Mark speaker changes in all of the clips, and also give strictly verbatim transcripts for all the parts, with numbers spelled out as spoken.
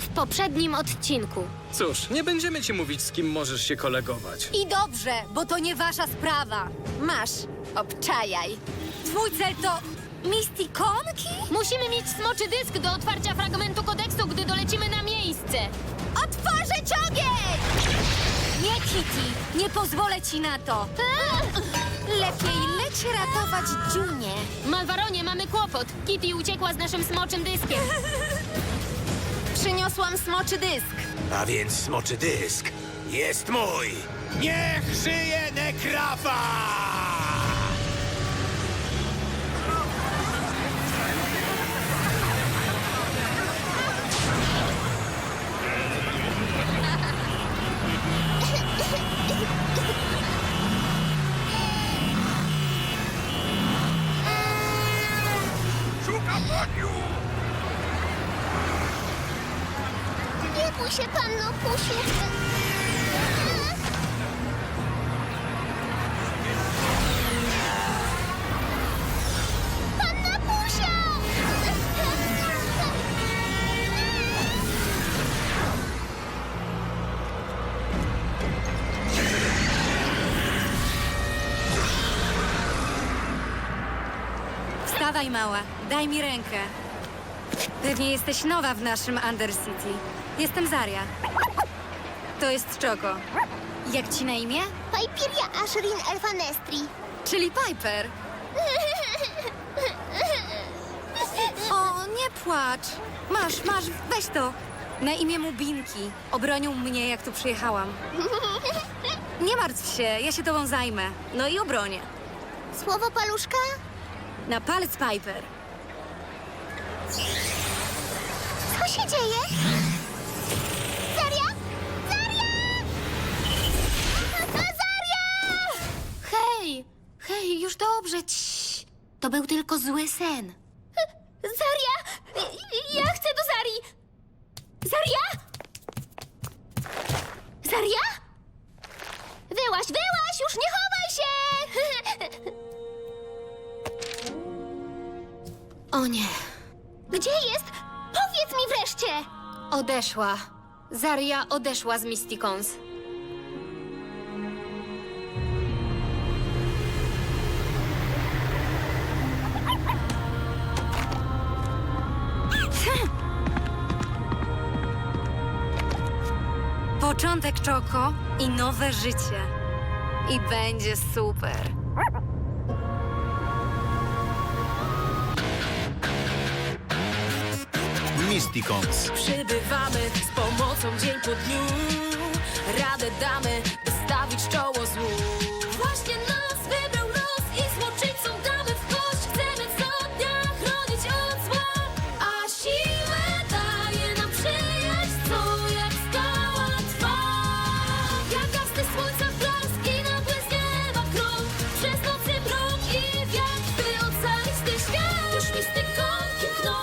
Speaker 1: w poprzednim odcinku.
Speaker 2: Cóż, nie będziemy ci mówić, z kim możesz się kolegować.
Speaker 3: I dobrze, bo to nie wasza sprawa. Masz, obczajaj. Twój cel to Misticonki?
Speaker 1: Musimy mieć smoczy dysk do otwarcia fragmentu kodeksu, gdy dolecimy na miejsce.
Speaker 3: Otworzyć ogień! Nie, Kitty, nie pozwolę ci na to. Lepiej leć ratować Dziunię.
Speaker 1: Malwaronie, mamy kłopot. Kitty uciekła z naszym smoczym dyskiem.
Speaker 3: Przyniosłam smoczy dysk.
Speaker 4: A więc smoczy dysk jest mój! Niech żyje Nekrafa! Szukam paniu!
Speaker 5: Nie bój się, panno Pusiu. Panna Pusia!
Speaker 3: Wstawaj, mała, daj mi rękę. Pewnie jesteś nowa w naszym Undercity. Jestem Zaria. To jest Czoko. Jak ci na imię?
Speaker 5: Pajpiria Ashrin Elfanestri.
Speaker 3: Czyli Piper. O, nie płacz. Masz, masz, weź to. Na imię mu Binki. Obronił mnie, jak tu przyjechałam. Nie martw się, ja się tobą zajmę. No i obronię.
Speaker 5: Słowo paluszka?
Speaker 3: Na palec, Piper.
Speaker 5: Co się dzieje? Zaria? Zaria! Zaria!
Speaker 1: Hej, hej, już dobrze. Ciii. To był tylko zły sen.
Speaker 5: Zaria! Ja chcę do Zarii! Zaria? Zaria? Wyłaź, wyłaź! Już nie chowaj się!
Speaker 1: O nie,
Speaker 5: Gdzie jest? Powiedz mi wreszcie!
Speaker 1: odeszła. Zaria odeszła z Mysticons.
Speaker 3: Początek Czoko i nowe życie. I będzie super.
Speaker 6: Mysticons.
Speaker 7: Przybywamy z pomocą dzień po dniu. Radę damy, by stawić czoło złu. Właśnie nas wybrał los i złoczyńcom damy w kość. Chcemy co dnia chronić od zła, a siłę daje nam przyjaźń, co jak skała trwa. Jak gasny słońca blask i nagle z nieba krok. Przez nocy mrok i wiatr, by ocalić ten świat. Już mistykonki mkną.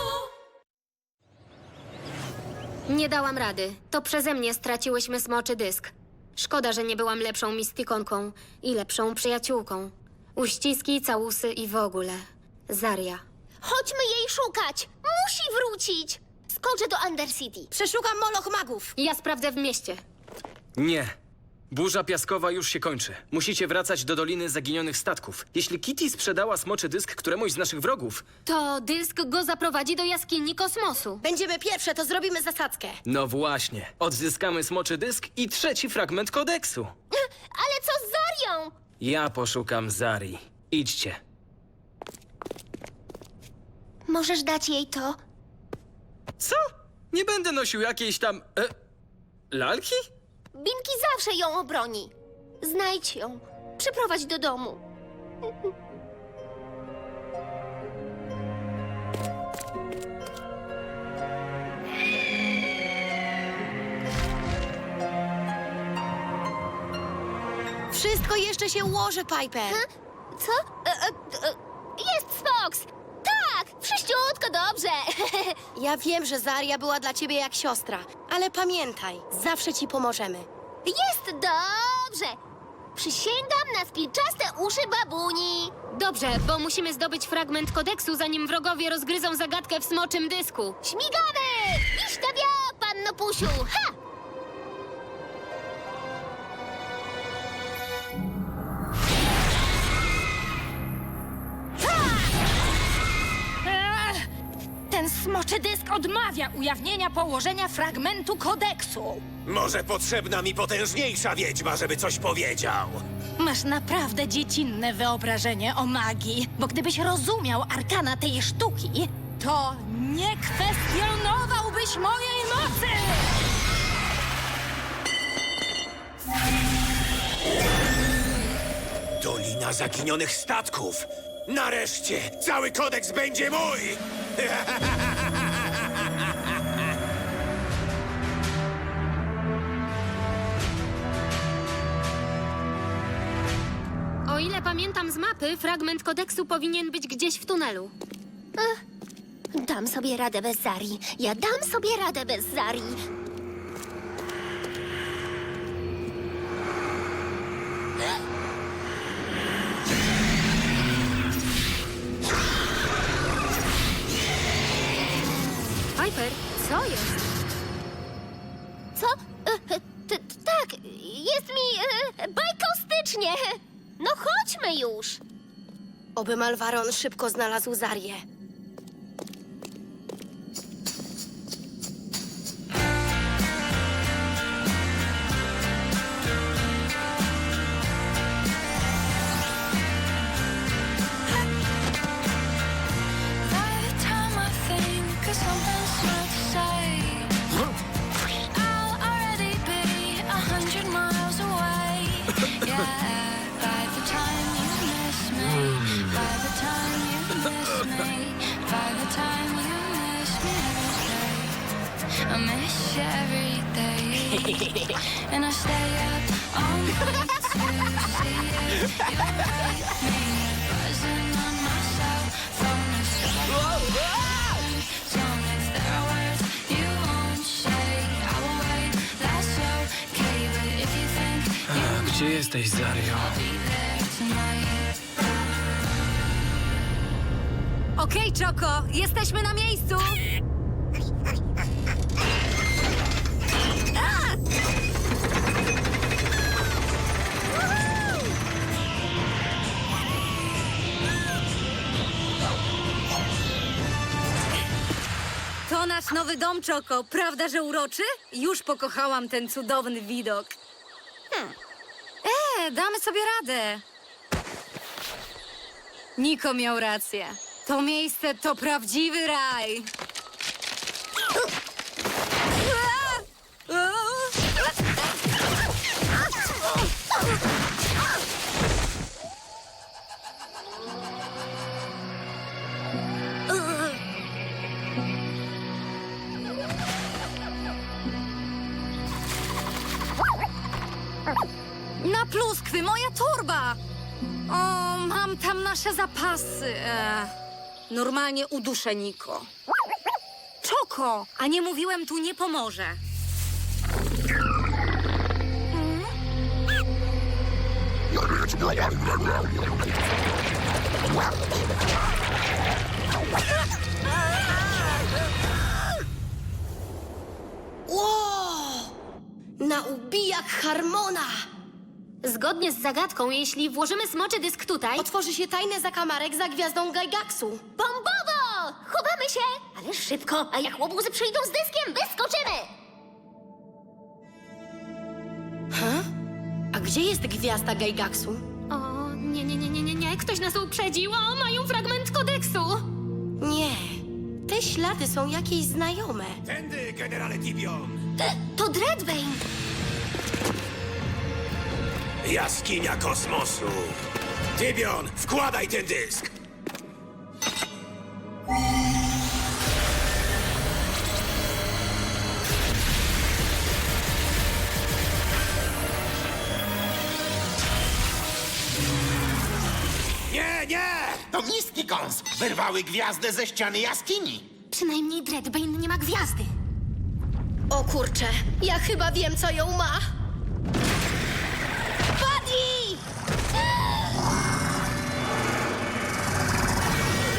Speaker 1: Nie dałam rady. To przeze mnie straciłyśmy smoczy dysk. Szkoda, że nie byłam lepszą mistykonką i lepszą przyjaciółką. Uściski, całusy i w ogóle. Zaria.
Speaker 5: Chodźmy jej szukać! Musi wrócić! Skoczę do Undercity.
Speaker 3: Przeszukam moloch magów.
Speaker 1: Ja sprawdzę w mieście.
Speaker 2: Nie. Burza piaskowa już się kończy. Musicie wracać do Doliny Zaginionych Statków. Jeśli Kitty sprzedała smoczy dysk któremuś z naszych wrogów,
Speaker 1: To dysk go zaprowadzi do jaskini kosmosu.
Speaker 3: Będziemy pierwsze, to zrobimy zasadzkę.
Speaker 2: no właśnie, odzyskamy smoczy dysk i trzeci fragment kodeksu.
Speaker 5: Ale co z Zarią?
Speaker 2: Ja poszukam Zarii. Idźcie.
Speaker 5: Możesz dać jej to?
Speaker 2: Co? Nie będę nosił jakiejś tam... E, lalki?
Speaker 5: Binki zawsze ją obroni. Znajdź ją. Przyprowadź do domu.
Speaker 3: Wszystko jeszcze się ułoży, Piper.
Speaker 5: Co? E, e, e, jest Fox! Tak! Wszyściutko dobrze!
Speaker 3: Ja wiem, że Zaria była dla ciebie jak siostra, ale pamiętaj, zawsze ci pomożemy.
Speaker 5: Jest dobrze! Przysięgam na spilczaste uszy babuni!
Speaker 1: Dobrze, bo musimy zdobyć fragment kodeksu, zanim wrogowie rozgryzą zagadkę w smoczym dysku.
Speaker 5: Śmigamy! Iść na wiok! łupusiu! Ha!
Speaker 7: Ten smoczy dysk odmawia ujawnienia położenia fragmentu kodeksu.
Speaker 4: Może potrzebna mi potężniejsza wiedźma, żeby coś powiedział.
Speaker 7: Masz naprawdę dziecinne wyobrażenie o magii, bo gdybyś rozumiał arkana tej sztuki, to nie kwestionowałbyś mojej mocy!
Speaker 4: Dolina zaginionych statków. Nareszcie cały kodeks będzie mój!
Speaker 1: O ile pamiętam z mapy, fragment kodeksu powinien być gdzieś w tunelu.
Speaker 5: Dam sobie radę bez Zari. Ja dam sobie radę bez Zari.
Speaker 1: Piper, co jest?
Speaker 5: Co? E, e, t- t- tak, jest mi e, bajkostycznie. No chodźmy już.
Speaker 6: Oby Malwaron szybko znalazł Zarię.
Speaker 8: Every time I think of something smart to say, I'll already be a hundred miles away. Yeah, by the time you miss me, by the time you miss me, by the time you miss me every day, I miss you every day, and I stay up all night to see if you're right. Me buzzing on my cell phone is Tell me if there are words you won't say. I will wait, that's okay. But if you think you
Speaker 2: Gdzie jesteś, Zario?
Speaker 8: be there tonight,
Speaker 3: Okej, Czoko, jesteśmy na miejscu! To nasz nowy dom, Czoko. Prawda, że uroczy? Już pokochałam ten cudowny widok. Hmm. E, damy sobie radę. Niko miał rację. To miejsce to prawdziwy raj. Na pluskwy, moja torba! O, mam tam nasze zapasy. E, normalnie uduszę Niko. Czoko, a nie mówiłem, tu nie pomoże.
Speaker 6: Ło! Na ubijak Harmona!
Speaker 1: Zgodnie z zagadką, jeśli włożymy smoczy dysk tutaj,
Speaker 6: Otworzy się tajny zakamarek za gwiazdą Gaigaxu.
Speaker 5: Bombowo! Chowamy się! Ale szybko, a jak łobuzy przyjdą z dyskiem, wyskoczymy!
Speaker 6: A gdzie jest gwiazda Gaigaxu?
Speaker 1: O, nie, nie, nie, nie, nie, nie. Ktoś nas uprzedził. O, mają fragment kodeksu.
Speaker 6: Nie. Te ślady są jakieś znajome.
Speaker 4: Tędy, generale Tibion!
Speaker 5: To Dreadbane!
Speaker 4: Jaskinia kosmosu! Tibion, wkładaj ten dysk! Nie, nie!
Speaker 9: To miski kąs wyrwały gwiazdę ze ściany jaskini.
Speaker 1: Przynajmniej Dreadbane nie ma gwiazdy.
Speaker 6: O kurczę, ja chyba wiem, co ją ma. Buddy!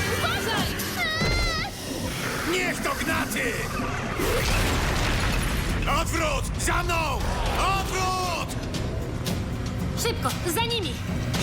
Speaker 4: Niech to gnaty! Odwrót! Za mną! Odwrót!
Speaker 1: Szybko, za nimi!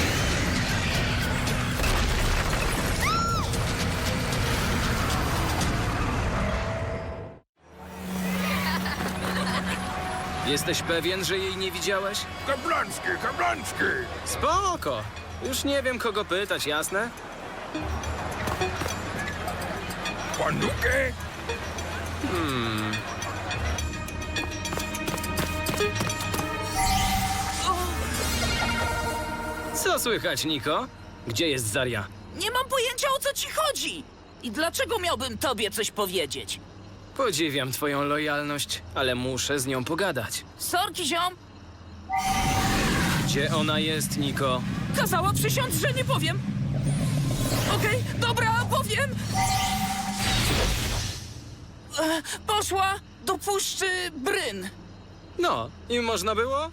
Speaker 2: Jesteś pewien, że jej nie widziałeś?
Speaker 9: Kablański, kablański!
Speaker 2: Spoko. Już nie wiem, kogo pytać, jasne?
Speaker 9: Panukę?
Speaker 2: Co słychać, Niko? Gdzie jest Zarya?
Speaker 10: Nie mam pojęcia, o co ci chodzi. I dlaczego miałbym tobie coś powiedzieć?
Speaker 2: Podziwiam twoją lojalność, ale muszę z nią pogadać.
Speaker 10: Sorki, ziom.
Speaker 2: Gdzie ona jest, Niko?
Speaker 10: Kazała przysiąc, że nie powiem. Okej, dobra, powiem. E, poszła do puszczy Bryn.
Speaker 2: No, i można było?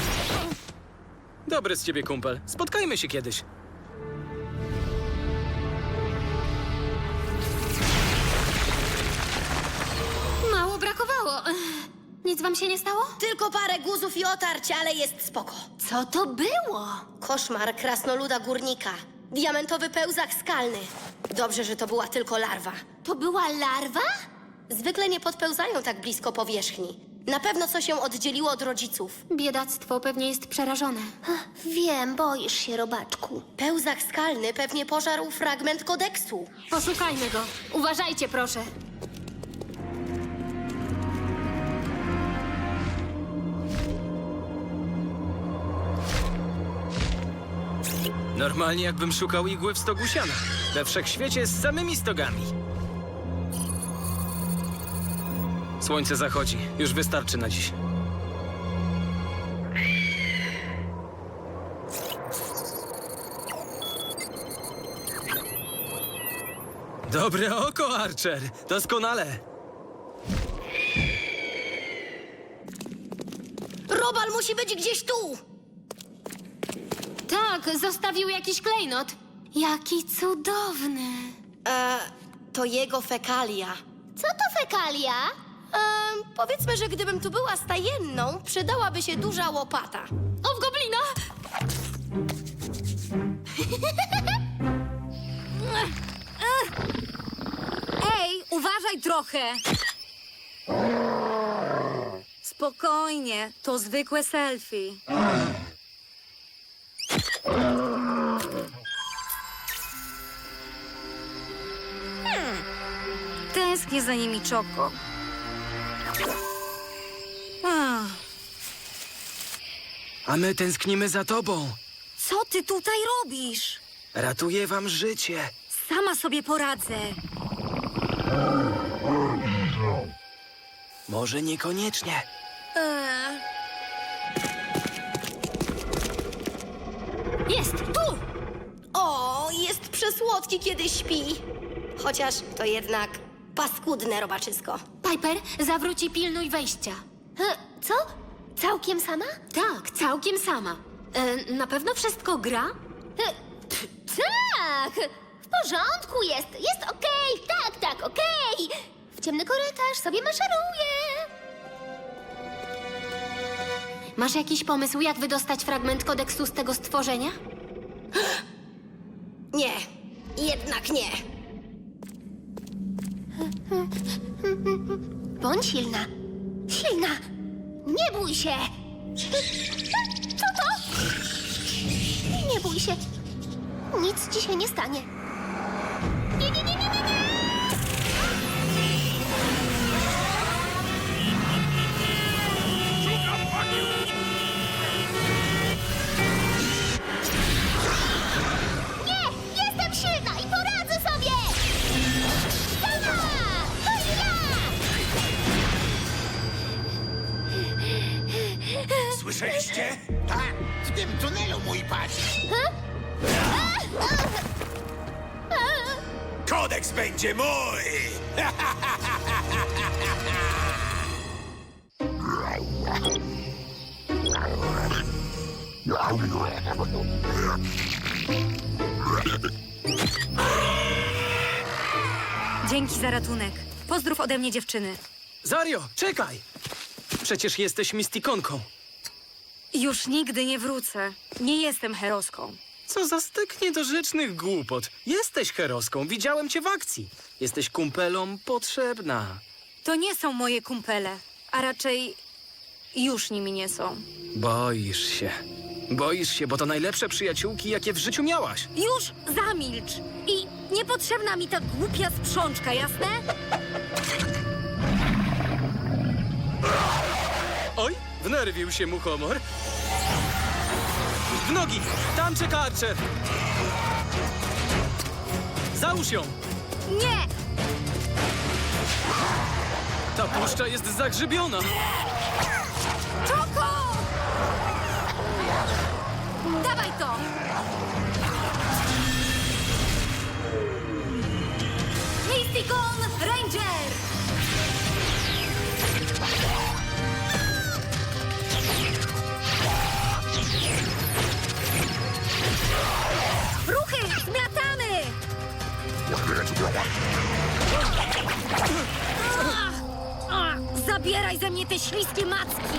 Speaker 2: Dobry z ciebie kumpel. Spotkajmy się kiedyś.
Speaker 1: Mało brakowało. Ech, Nic wam się nie stało?
Speaker 6: Tylko parę guzów i otarć, ale jest spoko.
Speaker 1: Co to było?
Speaker 6: Koszmar krasnoluda górnika. Diamentowy pełzak skalny. Dobrze, że to była tylko larwa.
Speaker 5: To była larwa?
Speaker 6: Zwykle nie podpełzają tak blisko powierzchni. Na pewno coś się oddzieliło od rodziców.
Speaker 1: Biedactwo pewnie jest przerażone.
Speaker 5: Ach, wiem, boisz się, robaczku.
Speaker 6: Pełzak skalny pewnie pożarł fragment kodeksu.
Speaker 1: Poszukajmy go. Uważajcie, proszę.
Speaker 2: Normalnie jakbym szukał igły w stogu siana. We wszechświecie z samymi stogami. Słońce zachodzi. Już wystarczy na dziś. Dobre oko, Archer. Doskonale.
Speaker 6: Robal musi być gdzieś tu!
Speaker 1: Tak, zostawił jakiś klejnot. Jaki cudowny.
Speaker 6: E, to jego fekalia.
Speaker 5: Co to fekalia?
Speaker 6: E, powiedzmy, że gdybym tu była stajenną, przydałaby się duża łopata.
Speaker 1: O, w goblina!
Speaker 3: Ej, uważaj trochę! Spokojnie, to zwykłe selfie. Hmm. Tęsknię za nimi, Czoko. Ach,
Speaker 2: A my tęsknimy za tobą.
Speaker 3: co ty tutaj robisz?
Speaker 2: Ratuję wam życie.
Speaker 3: Sama sobie poradzę.
Speaker 2: Może niekoniecznie.
Speaker 3: Eee.
Speaker 1: Jest, tu!
Speaker 6: O, jest przesłodki, kiedy śpi. Chociaż to jednak paskudne robaczysko.
Speaker 1: Piper, zawróć i pilnuj wejścia.
Speaker 5: E, Co? Całkiem sama?
Speaker 1: Tak, całkiem sama. E, na pewno wszystko gra?
Speaker 5: E, pff, Tak! W porządku jest, jest okej, tak, tak, okej. W ciemny korytarz sobie maszeruję.
Speaker 1: Masz jakiś pomysł, jak wydostać fragment kodeksu z tego stworzenia?
Speaker 6: Nie, jednak nie.
Speaker 5: Bądź silna. Silna! Nie bój się! Co to? Nie bój się. Nic ci się nie stanie. Nie, nie, nie, nie, nie, nie! Nie! Jestem silna i poradzę sobie! Silna! To ja!
Speaker 9: Słyszeliście? Tak, w tym tunelu, mój panie.
Speaker 4: Kodeks będzie mój!
Speaker 3: Dzięki za ratunek. Pozdrów ode mnie dziewczyny.
Speaker 2: Zaryo, czekaj! Przecież jesteś mistikonką.
Speaker 3: Już nigdy nie wrócę. Nie jestem heroską.
Speaker 2: Co za styk niedorzecznych głupot. Jesteś heroską, widziałem cię w akcji. Jesteś kumpelom potrzebna.
Speaker 3: To nie są moje kumpele, a raczej już nimi nie są.
Speaker 2: Boisz się. Boisz się, bo to najlepsze przyjaciółki, jakie w życiu miałaś.
Speaker 3: Już zamilcz! I niepotrzebna mi ta głupia sprzączka, jasne?
Speaker 2: Oj, wnerwił się muchomor. W nogi! Tam czeka Archer! Załóż ją!
Speaker 3: Nie!
Speaker 2: Ta puszcza jest zagrzybiona!
Speaker 3: Czoko! Dawaj to! Mysticon Ranger! Ruchy! Zmiatamy! Ach, ach, zabieraj ze mnie te śliskie macki!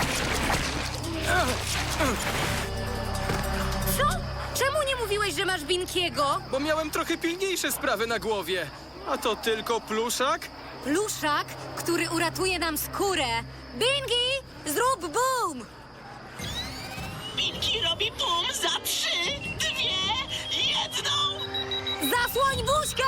Speaker 3: Co? Czemu nie mówiłeś, że masz Binkiego?
Speaker 2: Bo miałem trochę pilniejsze sprawy na głowie. A to tylko pluszak?
Speaker 3: Pluszak, który uratuje nam skórę. Bingi, zrób boom!
Speaker 10: Pinki robi bum za trzy, dwie, jedną!
Speaker 3: Zasłoń buźkę!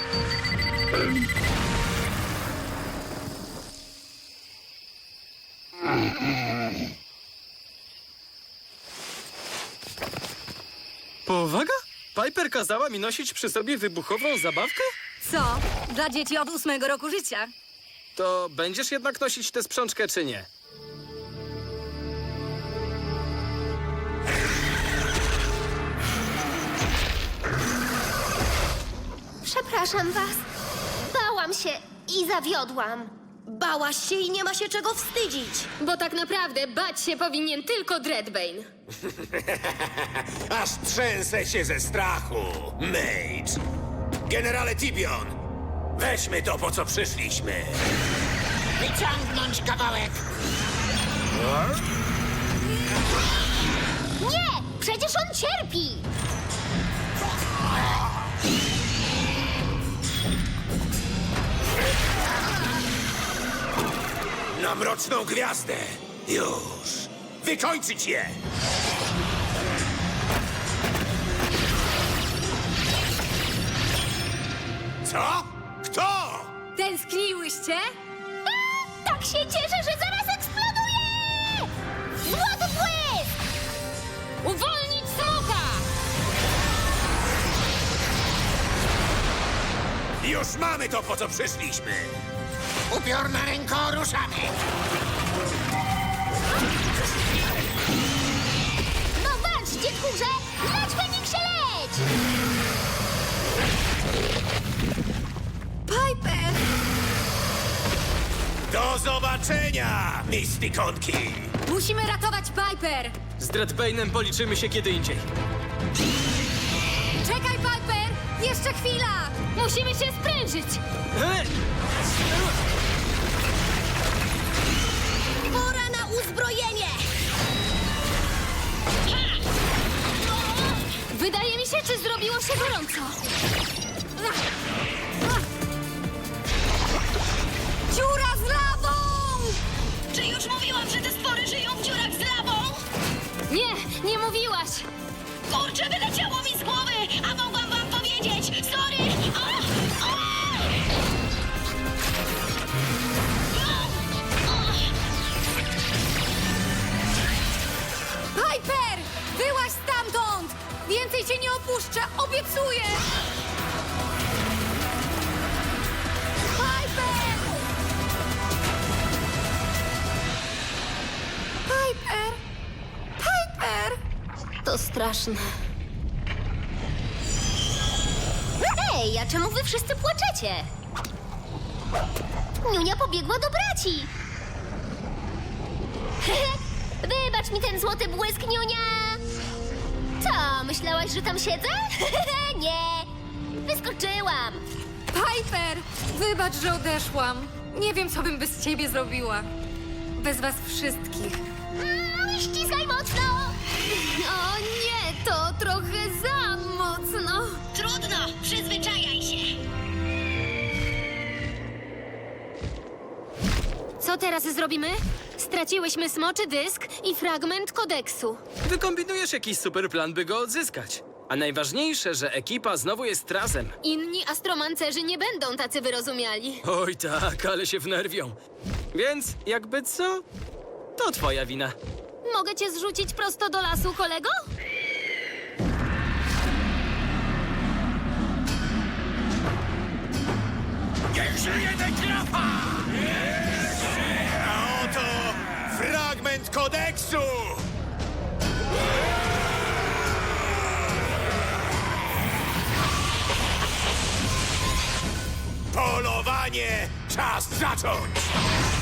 Speaker 2: Powaga? Piper kazała mi nosić przy sobie wybuchową zabawkę?
Speaker 3: Co? Dla dzieci od ósmego roku życia.
Speaker 2: To będziesz jednak nosić tę sprzączkę, czy nie?
Speaker 5: Przepraszam was. Bałam się i zawiodłam.
Speaker 6: Bałaś się i nie ma się czego wstydzić.
Speaker 1: Bo tak naprawdę bać się powinien tylko Dreadbane.
Speaker 4: Aż trzęsę się ze strachu, Mage. Generale Tibion, weźmy to, po co przyszliśmy.
Speaker 9: Wyciągnąć kawałek!
Speaker 5: Nie! Przecież on cierpi!
Speaker 4: Na mroczną gwiazdę. Już. Wykończyć je! Co? Kto?
Speaker 3: Tęskniłyście?
Speaker 5: A, tak się cieszę, że zaraz eksploduje! Złoty błysk!
Speaker 1: Uwolnić smoka!
Speaker 4: Już mamy to, po co przyszliśmy.
Speaker 9: Upiorna ręko, ruszamy!
Speaker 5: No walcz, dziadkurze! Leć, Feniksie, leć!
Speaker 3: Piper!
Speaker 4: Do zobaczenia, mistikonki!
Speaker 3: Musimy ratować Piper!
Speaker 2: Z Dreadbane'em policzymy się kiedy indziej.
Speaker 3: Czekaj, Piper! Jeszcze chwila!
Speaker 1: Musimy się sprężyć!
Speaker 2: He!
Speaker 6: Pora na uzbrojenie!
Speaker 1: Wydaje mi się, czy zrobiło się gorąco.
Speaker 3: Dziura z lawą!
Speaker 10: Czy już mówiłam, że te stwory żyją w dziurach z lawą?
Speaker 1: Nie, nie mówiłaś!
Speaker 10: Kurczę, wyleciało mi z głowy, a mogłam wam powiedzieć! Sorry! A! A!
Speaker 3: Piper! Byłaś stamtąd! Więcej cię nie opuszczę, obiecuję! Piper! Piper! Piper!
Speaker 1: To straszne.
Speaker 5: Ej, a czemu wy wszyscy płaczecie? Niunia pobiegła do braci. Wybacz mi ten złoty błysk, Niunia! Co, myślałaś, że tam siedzę? Nie! Wyskoczyłam!
Speaker 3: Piper! Wybacz, że odeszłam. Nie wiem, co bym bez ciebie zrobiła. bez was wszystkich.
Speaker 5: Mm, ściskaj mocno!
Speaker 1: O nie, to trochę za mocno.
Speaker 10: Trudno, przyzwyczajaj się.
Speaker 1: Co teraz zrobimy? Straciłyśmy smoczy dysk i fragment kodeksu.
Speaker 2: Wykombinujesz jakiś super plan, by go odzyskać. A najważniejsze, że ekipa znowu jest razem.
Speaker 1: Inni astromancerzy nie będą tacy wyrozumiali.
Speaker 2: Oj tak, ale się wnerwią. Więc jakby co? To twoja wina.
Speaker 1: Mogę cię zrzucić prosto do lasu, kolego?
Speaker 4: Niech żyje Deklapa! A oto fragment kodeksu! Polowanie! Czas zacząć!